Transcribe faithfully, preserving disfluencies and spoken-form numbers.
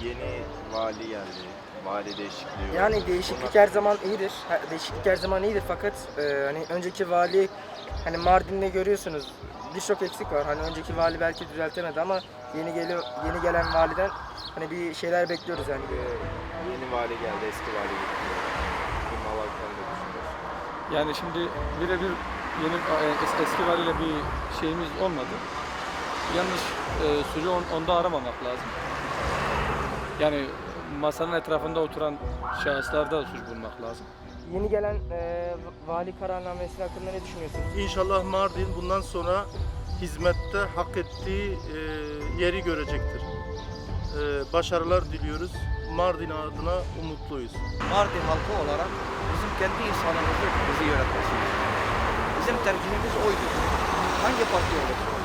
yeni vali geldi. Vali değişikliği var. Yani değişiklik her zaman iyidir. Ha, Değişiklik her zaman iyidir fakat e, hani önceki vali hani Mardin'de görüyorsunuz birçok eksik var. Hani önceki vali belki düzeltemedi ama yeni geli yeni gelen validen hani bir şeyler bekliyoruz yani. Ee, Yeni vali geldi, eski vali gitti. Bu mal hakkında düşünüyorsun. Yani şimdi birebir yeni e, es- eski valiyle bir şeyimiz olmadı. Yanlış e, suçu on- onda aramamak lazım. Yani masanın etrafında oturan şahıslarda suç bulmak lazım. Yeni gelen e, vali kararnamesi hakkında ne düşünüyorsunuz? İnşallah Mardin bundan sonra hizmette hak ettiği e, yeri görecektir. E, başarılar diliyoruz. Mardin adına umutluyuz. Mardin halkı olarak bizim kendi insanımızı bizi yönetmesini. Bizim tercihimiz oydu. Hangi parti olursa olsun.